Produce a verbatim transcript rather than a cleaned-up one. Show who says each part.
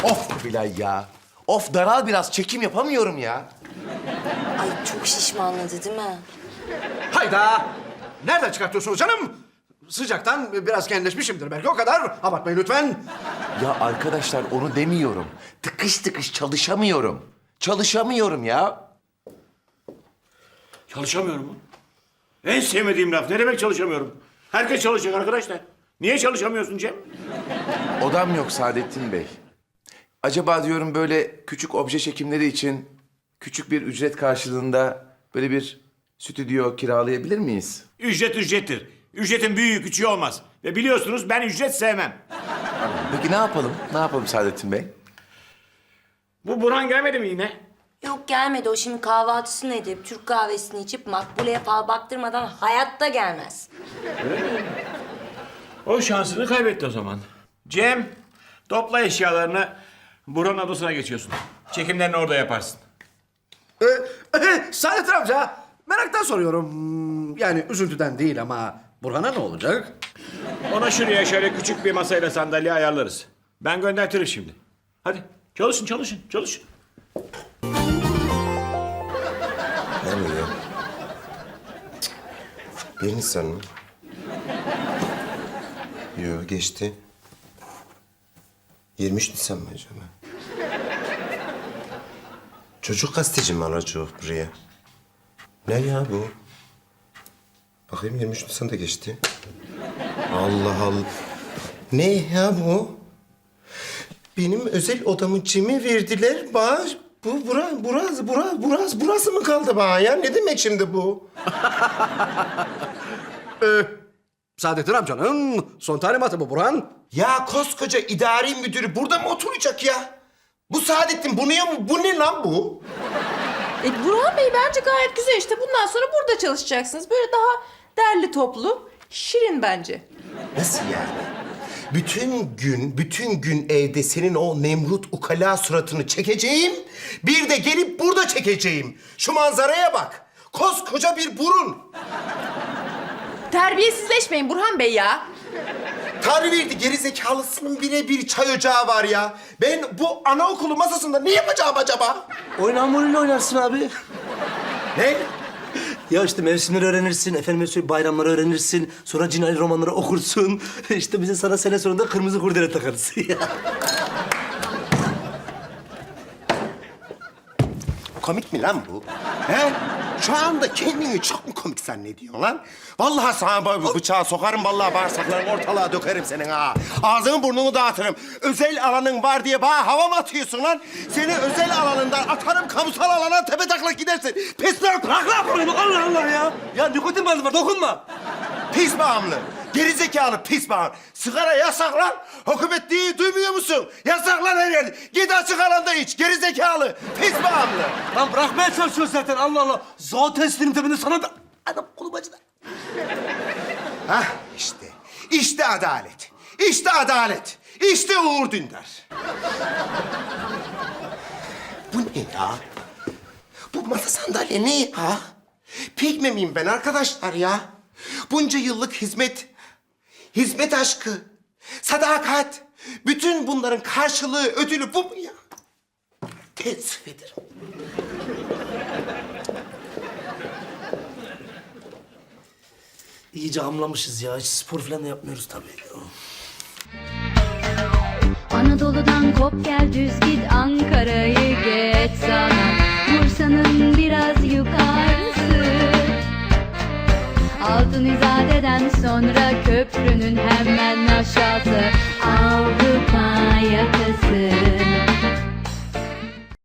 Speaker 1: Of Kubilay ya. Of daral biraz, çekim yapamıyorum ya.
Speaker 2: Ay çok şişmanladı değil mi?
Speaker 3: Hayda! Nereden çıkartıyorsunuz canım? Sıcaktan biraz genleşmişimdir belki, o kadar. Abartmayın lütfen.
Speaker 1: Ya arkadaşlar onu demiyorum. Tıkış tıkış çalışamıyorum. Çalışamıyorum ya.
Speaker 4: Çalışamıyorum mu? En sevmediğim laf. Ne demek çalışamıyorum? Herkes çalışacak arkadaşlar. Niye çalışamıyorsun Cem?
Speaker 1: Odam yok Saadettin Bey. Acaba diyorum böyle küçük obje çekimleri için küçük bir ücret karşılığında böyle bir stüdyo kiralayabilir miyiz?
Speaker 4: Ücret ücrettir. Ücretin büyüğü küçüğü olmaz. Ve biliyorsunuz ben ücret sevmem.
Speaker 1: Peki ne yapalım? Ne yapalım Saadettin Bey?
Speaker 4: Bu Burhan gelmedi mi yine?
Speaker 2: Yok gelmedi. O şimdi kahvaltısını edip Türk kahvesini içip Makbule'ye fal baktırmadan hayatta gelmez.
Speaker 4: O şansını kaybetti o zaman. Cem, topla eşyalarını. Burhan'ın odasına geçiyorsun. Çekimlerini orada yaparsın.
Speaker 3: Ee, e, Saadettin amca, meraktan soruyorum. Hmm, Yani üzüntüden değil ama Burhan'a ne olacak?
Speaker 4: Ona şuraya şöyle küçük bir masayla sandalye ayarlarız. Ben göndertirim şimdi. Hadi çalışın çalışın çalışın.
Speaker 5: Ne bu ya? Bir Nisan mı? Yo geçti. yirmi üç Nisan mı acaba? Çocuk gazeteci mi alacak buraya? Ne ya bu? Bakayım yirmi üç Nisan da geçti. Allah Allah. Ne ya bu? Benim özel odamı cime verdiler. Bana bu bura, burası, burası, burası, burası mı kaldı bana ya? Ne demek şimdi bu?
Speaker 3: Saadettin amcanın son talimatı bu Burhan.
Speaker 5: Ya koskoca idari müdürü burada mı oturacak ya? Bu Saadettin bu ne, bu ne lan bu?
Speaker 6: E, Burhan Bey bence gayet güzel işte. Bundan sonra burada çalışacaksınız. Böyle daha derli toplu, şirin bence.
Speaker 5: Nasıl yani? Bütün gün, bütün gün evde senin o Nemrut ukala suratını çekeceğim. Bir de gelip burada çekeceğim. Şu manzaraya bak. Koskoca bir burun.
Speaker 6: Terbiyesizleşmeyin Burhan Bey ya.
Speaker 5: Tanrı verdi gerizekalısının birebir çay ocağı var ya. Ben bu anaokulu masasında ne yapacağım acaba?
Speaker 7: Oyun hamuruyla oynarsın abi.
Speaker 5: Ne?
Speaker 7: Ya işte mevsimleri öğrenirsin, efendim söyleyeyim bayramları öğrenirsin. Sonra cinayet romanları okursun. İşte bize sana sene sonunda kırmızı kurdele takarız.
Speaker 5: Komik mi lan bu? He? Şu anda kendini çok mu komik zannediyorsun lan? Vallahi sana bu bıçağı sokarım, vallahi bağırsaklarını ortalığa dökerim senin ha. Ağzını burnunu dağıtırım. Özel alanın var diye bana hava mı atıyorsun lan? Seni özel alanından atarım, kamusal alana tepe taklak gidersin. Pis lan, bırak lan bunu, Allah Allah ya.
Speaker 7: Ya nikotin bazı var, dokunma.
Speaker 5: Pis bağımlı. Gerizekalı pis bağımlı. Sigara yasak lan. Hükümet değil, duymuyor musun? Yasak lan her yerde. Git açık alanda iç. Gerizekalı. Pis bağımlı.
Speaker 7: Lan bırakmaya çalışıyorsun zaten, Allah Allah. Zaten sinirim tepende sana da... Anam kolum acıdı.
Speaker 5: Hah işte. İşte adalet. İşte adalet. İşte Uğur Dündar. Bu ne ya? Bu masa sandalye ne ya? Pigme miyim ben arkadaşlar ya? Bunca yıllık hizmet, hizmet aşkı, sadakat, bütün bunların karşılığı, ödülü bu mu ya? Teessüf ederim.
Speaker 7: İyice hamlamışız ya. Hiç spor falan da yapmıyoruz tabii.
Speaker 8: Anadolu'dan kop gel düz git Ankara'yı geç sana Bursa'nın biraz yukarısı Altın İzade'den sonra köprünün hemen aşağısı Avrupa yakası